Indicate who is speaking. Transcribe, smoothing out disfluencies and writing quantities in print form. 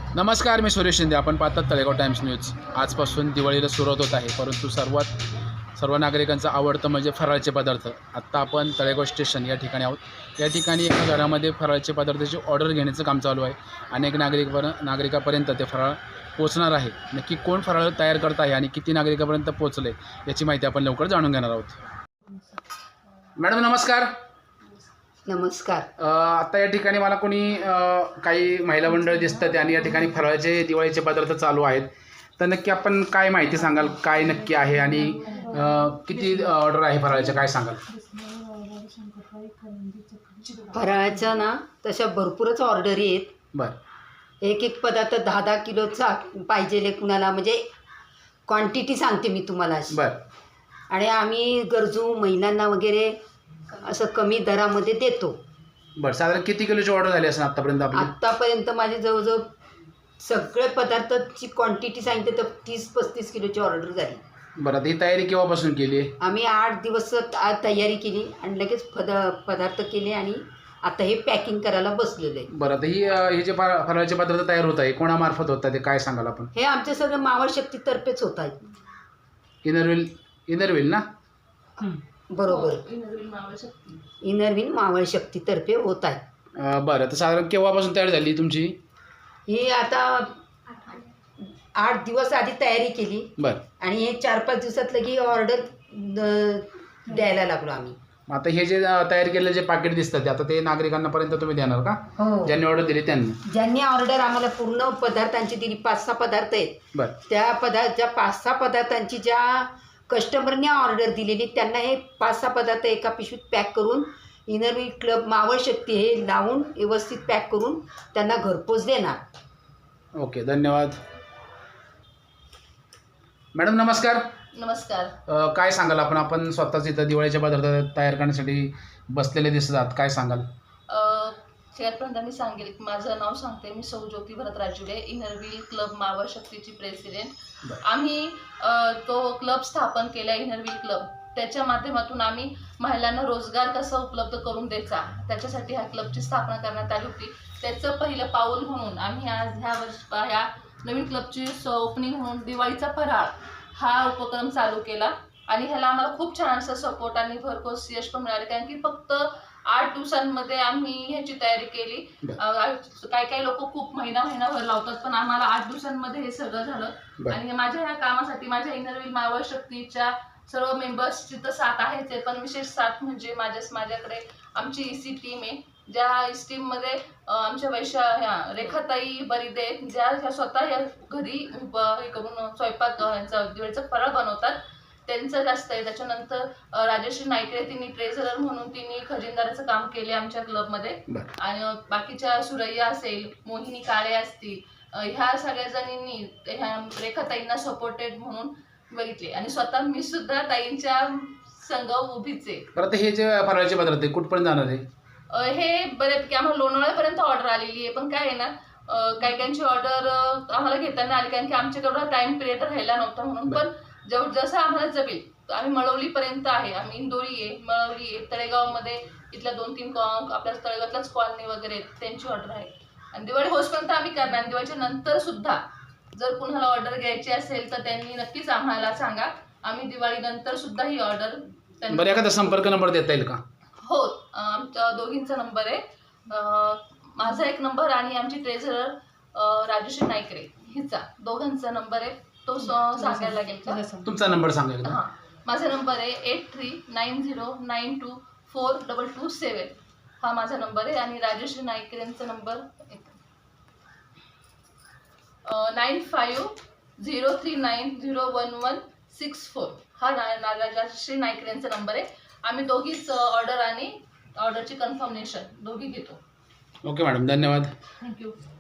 Speaker 1: नमस्कार, मी सुरेश शिंदे. आपण पाहतात तळेगाव टाइम्स न्यूज. आजपासून दिवाळीला सुरुवात होत आहे, परंतु सर्व नागरिकांचं आवडतं म्हणजे फराळाचे पदार्थ. आत्ता आपण तळेगाव स्टेशन या ठिकाणी आहोत. या ठिकाणी एका घरामध्ये फराळाचे पदार्थाची ऑर्डर घेण्याचं काम चालू आहे. अनेक नागरिकापर्यंत ते फराळ पोचणार आहे. नक्की कोण फराळ तयार करत आहे आणि किती नागरिकापर्यंत पोचले याची माहिती आपण लवकर जाणून घेणार आहोत. मॅडम नमस्कार.
Speaker 2: नमस्कार.
Speaker 1: आता या ठिकाणी मला कोणी काही महिला मंडळ दिसतात आणि या ठिकाणी फराळाचे दिवाळीचे पदार्थ चालू आहेत. तर नक्की आपण काय माहिती सांगाल, काय नक्की आहे आणि किती ऑर्डर आहे फराळाचे, काय सांगाल?
Speaker 2: फराळाच्या ना तशा भरपूरच ऑर्डरी आहेत.
Speaker 1: बरं.
Speaker 2: एक पदार्थ 10-10 किलोचा पाहिजे कुणाला, म्हणजे क्वांटिटी सांगते मी तुम्हाला अशी.
Speaker 1: बरं.
Speaker 2: आणि आम्ही गरजू महिलांना वगैरे असं कमी दरामध्ये देतो.
Speaker 1: बरं. साधारण किती किलोची ऑर्डर झाली असेल आत्तापर्यंत आपली?
Speaker 2: आत्तापर्यंत माझे जवळजवर सगळे पदार्थाची क्वांटिटी सांगितली तर 30-35 किलोची ऑर्डर झाली.
Speaker 1: बरं. आता ही तयारी केव्हापासून केली आहे?
Speaker 2: आम्ही 8 दिवस तयारी केली आणि लगेच पदार्थ केले आणि आता हे पॅकिंग करायला बसलेलं आहे.
Speaker 1: बरं. आता हे जे फराळाचे पदार्थ तयार होत आहे कोणामार्फत होतात ते काय सांगाल आपण?
Speaker 2: हे आमचे सगळं मावळ शक्तीतर्फेच होत आहे.
Speaker 1: इनरव्हील ना?
Speaker 2: बरोबर. इनरव्हील मावळ शक्तीतर्फे होत आहे.
Speaker 1: बरं. तर साधारण केव्हापासून तयार झाली तुमची
Speaker 2: ही? आता 8 दिवस आधी तयारी केली.
Speaker 1: बरं.
Speaker 2: आणि हे 4-5 दिवसात लगी ऑर्डर द्यायला लागलो आम्ही.
Speaker 1: आता हे जे तयार केलेले जे पाकिट दिसतात आता ते नागरिकांना पर्यंत तुम्ही देणार का?
Speaker 2: हो.
Speaker 1: ज्यांनी ऑर्डर दिली त्यांनी?
Speaker 2: ज्यांनी ऑर्डर आम्हाला पूर्ण पदार्थांची दिली, 5-6 पदार्थ आहेत.
Speaker 1: बरं.
Speaker 2: त्या 5-6 पदार्थांची ज्या कस्टमरने ऑर्डर दिलेली त्यांना हे 5-6 पदार्थ एका पिशवीत पॅक करून इनरव्हील क्लब मावळ शक्ती हे लावून व्यवस्थित पॅक करून त्यांना घरपोच देणार.
Speaker 1: ओके, धन्यवाद. मॅडम नमस्कार.
Speaker 3: नमस्कार.
Speaker 1: काय सांगाल आपण स्वतःच इथं दिवाळीचे पदार्थ तयार करण्यासाठी बसलेले दिसतात, काय सांगाल?
Speaker 3: शेअरपर्यंत मी सांगेल. माझं नाव सांगते, मी सौ ज्योती भरत राजुले, इनरव्हील क्लब मावळ शक्तीची प्रेसिडेंट. आम्ही तो क्लब स्थापन केला, इनरव्हील क्लब. त्याच्या माध्यमातून आम्ही महिलांना रोजगार कसा उपलब्ध करून द्यायचा त्याच्यासाठी ह्या क्लबची स्थापना करण्यात आली होती. त्याचं पहिलं पाऊल म्हणून आम्ही आज ह्या नवीन क्लबची ओपनिंग म्हणून दिवाळीचा फराळ हा उपक्रम चालू केला. आणि ह्याला आम्हाला खूप छान असा सपोर्ट आणि भरघोस यश पण मिळाले, कारण की फक्त 8 दिवसांमध्ये आम्ही ह्याची तयारी केली. काही लोक खूप महिनाभर लावतात, पण आम्हाला 8 दिवसांमध्ये हे सगळं झालं. आणि माझ्या ह्या कामासाठी माझ्या इनरव्हील मावळ शक्तीच्या सर्व मेंबर्सची तर साथ आहेच आहे, पण विशेष साथ म्हणजे माझ्याकडे आमची ईसी टीम आहे. ज्या ईसी टीममध्ये आमच्या रेखाताई बरिदे ज्या स्वतः या घरी हे करून स्वयंपाक दिवाळीचा फराळ बनवतात, त्यांचं जास्त आहे. त्याच्यानंतर राजश्री नाईकरे, तिने ट्रेझरर म्हणून तिने खजिनदाराचं काम केले आमच्या क्लबमध्ये. आणि बाकीच्या सुरैया असेल, मोहिनी काळे असतील, ह्या सगळ्या जणींनी ह्या रेखाताईंना सपोर्टेड म्हणून बघितले. आणि स्वतः मी सुद्धा ताईंच्या संघ उभीच आहे.
Speaker 1: परत हे जे फराळाचे पदार्थ कुठपर्यंत जाणार आहे?
Speaker 3: हे बऱ्यापैकी आम्हाला लोणावळ्यापर्यंत ऑर्डर आलेली आहे, पण काय आहे ना, काही ऑर्डर आम्हाला घेताना आली, कारण की आमच्याकडं टाइम पिरियड राहिला नव्हता म्हणून. पण जसं आम्हाला जमेल आम्ही मळवलीपर्यंत आहे. आम्ही इंदोरी आहे, मळवली आहे, तळेगावमध्ये इथल्या 2-3 आपल्या तळेगावातल्याच कॉलनी वगैरे त्यांची ऑर्डर आहे. आणि दिवाळी होसपर्यंत आम्ही करणार. दिवाळीच्या नंतर सुद्धा जर कुणाला ऑर्डर घ्यायची असेल तर त्यांनी नक्कीच आम्हाला सांगा. आम्ही दिवाळी नंतर सुद्धा ही ऑर्डर.
Speaker 1: बरं, एखादा संपर्क नंबर देता येईल का?
Speaker 3: हो, आमच्या दोघींचा नंबर आहे. माझा एक नंबर आणि आमची ट्रेझरर राजश्री नाईकरे हिचा, दोघांचा नंबर आहे. तो सांगायला लागेल का?
Speaker 1: तुमचा नंबर सांगाल का?
Speaker 3: हां, माझा नंबर आहे 8390924227. हा माझा नंबर आहे. आणि राजश्री नाईकरेंचा नंबर 9503901164. हा राजश्री नाईकरेंचा नंबर आहे. आम्ही दोघीच ऑर्डर आणि ऑर्डरची कन्फर्मेशन दोघी घेतो.
Speaker 1: ओके मॅडम, धन्यवाद.
Speaker 3: थँक्यू.